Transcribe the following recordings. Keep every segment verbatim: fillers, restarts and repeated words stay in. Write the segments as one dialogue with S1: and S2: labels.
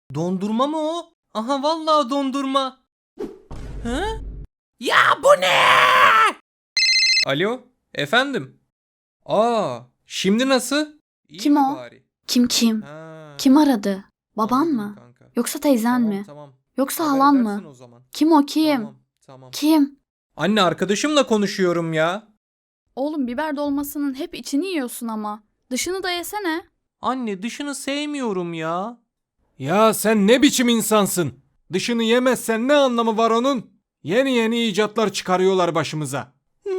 S1: Dondurma mı o? Aha vallahi dondurma. Hı? Ya bu ne? Alo, efendim. Aa, şimdi nasıl? İyi
S2: Kim
S1: mi
S2: o?
S1: bari?
S2: Kim kim?
S1: Ha,
S2: Kim aradı? Baban
S1: anladım
S2: mı?
S1: kanka.
S2: Yoksa teyzen
S1: Tamam
S2: mi?
S1: tamam.
S2: Yoksa
S1: Haber
S2: halan
S1: versin
S2: mı?
S1: o zaman.
S2: Kim o kim?
S1: Tamam tamam.
S2: Kim?
S1: Anne arkadaşımla konuşuyorum ya.
S2: Oğlum biber dolmasının hep içini yiyorsun ama. Dışını da yesene.
S1: Anne dışını sevmiyorum ya.
S3: Ya sen ne biçim insansın? Dışını yemezsen ne anlamı var onun? Yeni yeni icatlar çıkarıyorlar başımıza.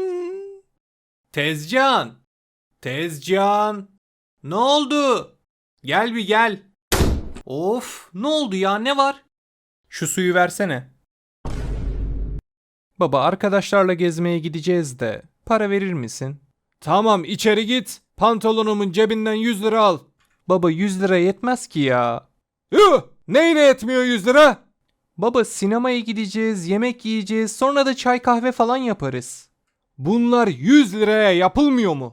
S1: Tezcan. Tezcan. Ne oldu? Gel bir gel. Of, ne oldu ya, ne var? Şu suyu versene. Baba, arkadaşlarla gezmeye gideceğiz de para verir misin?
S3: Tamam içeri git. Pantolonumun cebinden yüz lira al.
S1: Baba, yüz lira yetmez ki ya.
S3: Yuh! Neyine yetmiyor yüz lira?
S1: Baba, sinemaya gideceğiz, yemek yiyeceğiz, sonra da çay kahve falan yaparız.
S3: Bunlar yüz liraya yapılmıyor mu?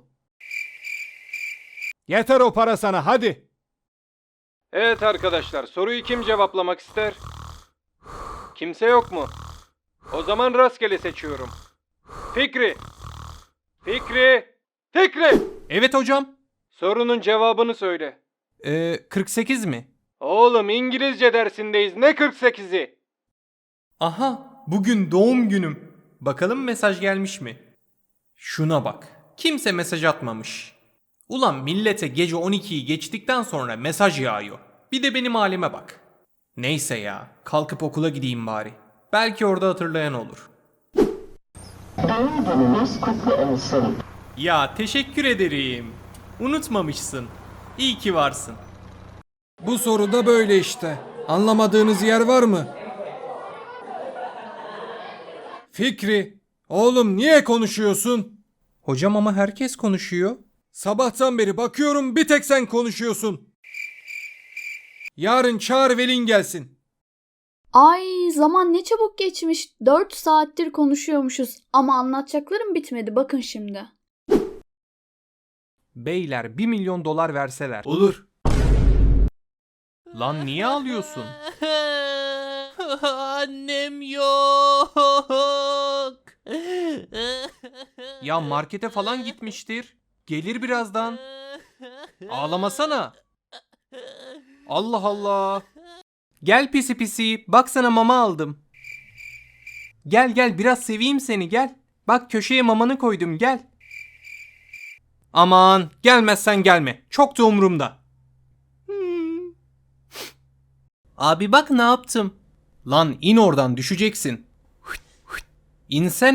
S3: Yeter o para sana, hadi. Evet arkadaşlar, soruyu kim cevaplamak ister? Kimse yok mu? O zaman rastgele seçiyorum. Fikri. Fikri. Fikri.
S1: Evet hocam.
S3: Sorunun cevabını söyle.
S1: Ee, kırk sekiz mi?
S3: Oğlum İngilizce dersindeyiz, ne kırk sekizi?
S1: Aha, bugün doğum günüm. Bakalım mesaj gelmiş mi? Şuna bak. Kimse mesaj atmamış. Ulan millete gece on ikiyi geçtikten sonra mesaj yağıyor. Bir de benim halime bak. Neyse ya, kalkıp okula gideyim bari. Belki orada hatırlayan olur.
S4: Doğum gününüz kutlu olsun.
S1: Ya teşekkür ederim. Unutmamışsın. İyi ki varsın.
S3: Bu soruda böyle işte. Anlamadığınız yer var mı? Fikri, oğlum niye konuşuyorsun?
S1: Hocam ama herkes konuşuyor.
S3: Sabahtan beri bakıyorum bir tek sen konuşuyorsun. Yarın çağır velin gelsin.
S2: Ay zaman ne çabuk geçmiş. Dört saattir konuşuyormuşuz. Ama anlatacaklarım bitmedi bakın şimdi.
S1: Beyler bir milyon dolar verseler.
S3: Olur.
S1: Lan niye ağlıyorsun?
S5: Annem yok.
S1: Ya markete falan gitmiştir. Gelir birazdan. Ağlamasana. Allah Allah. Gel pisi pisi. Bak sana mama aldım. Gel gel biraz seveyim seni gel. Bak köşeye mamanı koydum gel. Aman gelmezsen gelme. Çok da umurumda. Hmm. Abi bak ne yaptım. Lan in oradan düşeceksin. İnsen.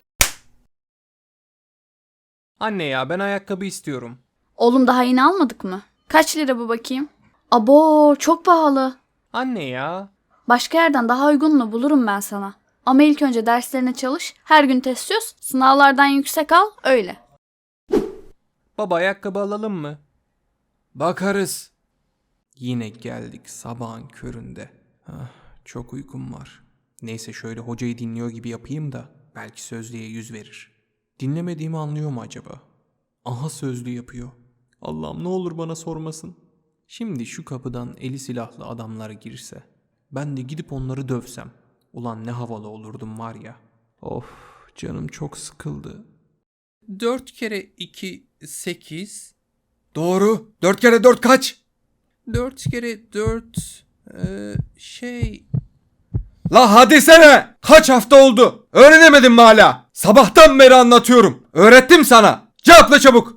S1: Anne ya ben ayakkabı istiyorum.
S2: Oğlum daha yeni almadık mı? Kaç lira bu bakayım? Abo çok pahalı.
S1: Anne ya.
S2: Başka yerden daha uygununu bulurum ben sana. Ama ilk önce derslerine çalış, her gün test çöz, sınavlardan yüksek al, öyle.
S1: Baba ayakkabı alalım mı?
S3: Bakarız.
S1: Yine geldik sabahın köründe. Ah, çok uykum var. Neyse şöyle hocayı dinliyor gibi yapayım da belki sözlüğe yüz verir. Dinlemediğimi anlıyor mu acaba? Aha sözlü yapıyor. Allah'ım ne olur bana sormasın. Şimdi şu kapıdan eli silahlı adamlar girse, ben de gidip onları dövsem. Ulan ne havalı olurdum var ya. Of canım çok sıkıldı. Dört kere iki sekiz.
S3: Doğru. Dört kere dört kaç?
S1: Dört kere dört ee, şey...
S3: La hadi sene. Kaç hafta oldu? Öğrenemedin mi hala? Sabahtan beri anlatıyorum. Öğrettim sana. Cevapla çabuk.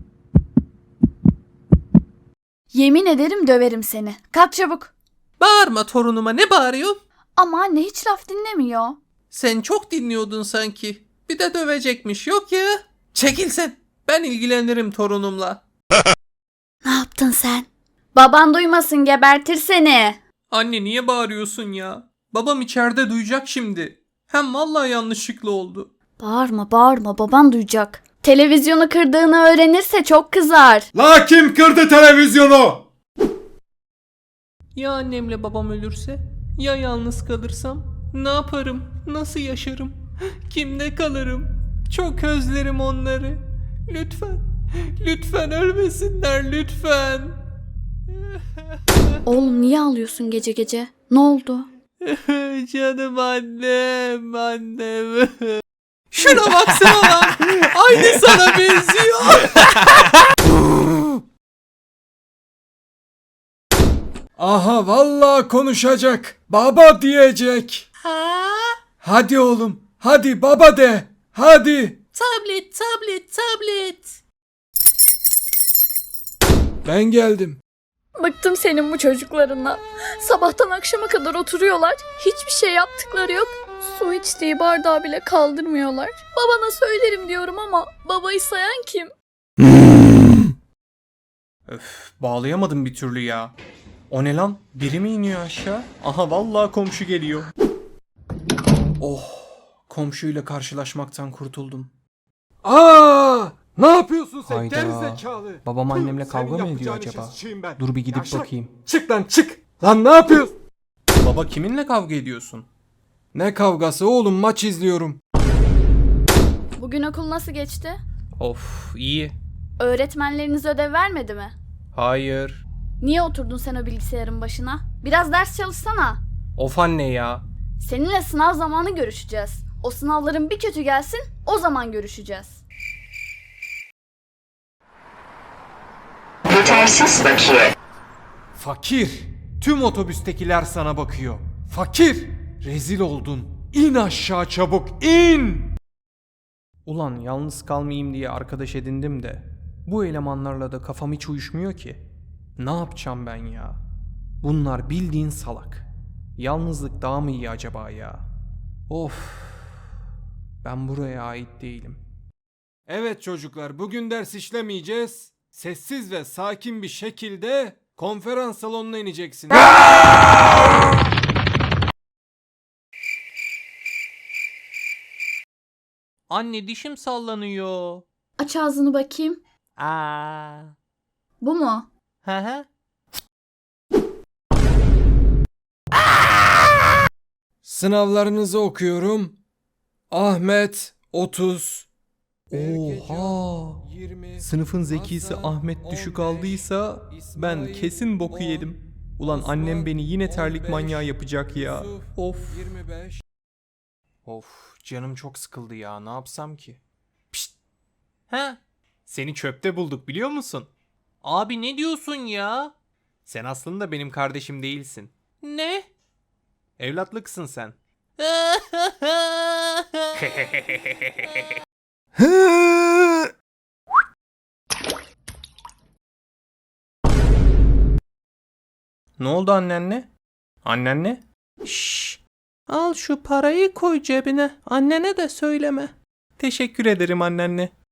S2: Yemin ederim döverim seni. Kalk çabuk.
S5: Bağırma torunuma, ne bağırıyorsun?
S2: Ama anne hiç laf dinlemiyor.
S5: Sen çok dinliyordun sanki. Bir de dövecekmiş, yok ya. Çekil sen. Ben ilgilenirim torunumla.
S2: Ne yaptın sen? Baban duymasın gebertir seni.
S1: Anne niye bağırıyorsun ya? Babam içeride duyacak şimdi. Hem vallahi yanlışlıkla oldu.
S2: Bağırma bağırma baban duyacak. Televizyonu kırdığını öğrenirse çok kızar.
S3: La kim kırdı televizyonu?
S1: Ya annemle babam ölürse? Ya yalnız kalırsam? Ne yaparım? Nasıl yaşarım? Kimde kalırım? Çok özlerim onları. Lütfen, lütfen ölmesinler lütfen.
S2: Oğlum niye ağlıyorsun gece gece? Ne oldu?
S5: Canım annem, annem. Şuna baksana lan. Aynı sana benziyor.
S6: Aha vallahi konuşacak. Baba diyecek.
S5: Ha?
S6: Hadi oğlum. Hadi baba de. Hadi.
S5: Tablet, tablet, tablet.
S6: Ben geldim.
S2: Bıktım senin bu çocuklarından. Sabahtan akşama kadar oturuyorlar. Hiçbir şey yaptıkları yok. Su içtiği bardağı bile kaldırmıyorlar. Babana söylerim diyorum ama babayı sayan kim?
S1: Öf, bağlayamadım bir türlü ya. O ne lan? Biri mi iniyor aşağı? Aha vallahi komşu geliyor. Oh, komşuyla karşılaşmaktan kurtuldum.
S6: Aa! Ne yapıyorsun sen
S1: Hayda.
S6: gerizekalı?
S1: Babam
S6: Tüh,
S1: annemle
S6: senin
S1: kavga mı ediyor
S6: yapacağın
S1: acaba?
S6: işe sıçayım ben.
S1: Dur bir gidip
S6: Yavşak.
S1: bakayım.
S6: Çık lan çık. Lan ne yapıyorsun?
S1: Baba kiminle kavga ediyorsun?
S6: Ne kavgası oğlum, maç izliyorum.
S2: Bugün okul nasıl geçti?
S1: Of, iyi.
S2: Öğretmenleriniz ödev vermedi mi?
S1: Hayır.
S2: Niye oturdun sen o bilgisayarın başına? Biraz ders çalışsana.
S1: Of anne ya.
S2: Seninle sınav zamanı görüşeceğiz. O sınavların bir kötü gelsin, o zaman görüşeceğiz.
S4: Yetersiz bakiye.
S6: Fakir. Tüm otobüstekiler sana bakıyor. Fakir. Rezil oldun. İn aşağı çabuk, in.
S1: Ulan yalnız kalmayayım diye arkadaş edindim de bu elemanlarla da kafam hiç uyuşmuyor ki. Ne yapacağım ben ya? Bunlar bildiğin salak. Yalnızlık daha mı iyi acaba ya? Of. Ben buraya ait değilim.
S6: Evet çocuklar, bugün ders işlemeyeceğiz. Sessiz ve sakin bir şekilde konferans salonuna ineceksiniz.
S5: Anne dişim sallanıyor.
S2: Aç ağzını bakayım.
S5: Aa.
S2: Bu mu?
S5: Hı hı.
S6: Sınavlarınızı okuyorum. Ahmet otuz.
S1: Oha!
S6: yirmi.
S1: Sınıfın zekisi
S6: Hasan
S1: Ahmet düşük
S6: on beş,
S1: aldıysa ben
S6: İsmail
S1: kesin boku
S6: on,
S1: yedim. Ulan
S6: Osman
S1: annem beni yine terlik
S6: on beş,
S1: manyağı yapacak ya.
S6: Yusuf
S1: Of.
S6: yirmi beş.
S1: Of, canım çok sıkıldı ya. Ne yapsam ki?
S5: Ha?
S1: Seni çöpte bulduk biliyor musun?
S5: Abi ne diyorsun ya?
S1: Sen aslında benim kardeşim değilsin.
S5: Ne?
S1: Evlatlıksın sen. Ne oldu annenle? Annenle?
S5: Şşş. Al şu parayı koy cebine. Annene de söyleme.
S1: Teşekkür ederim annenle.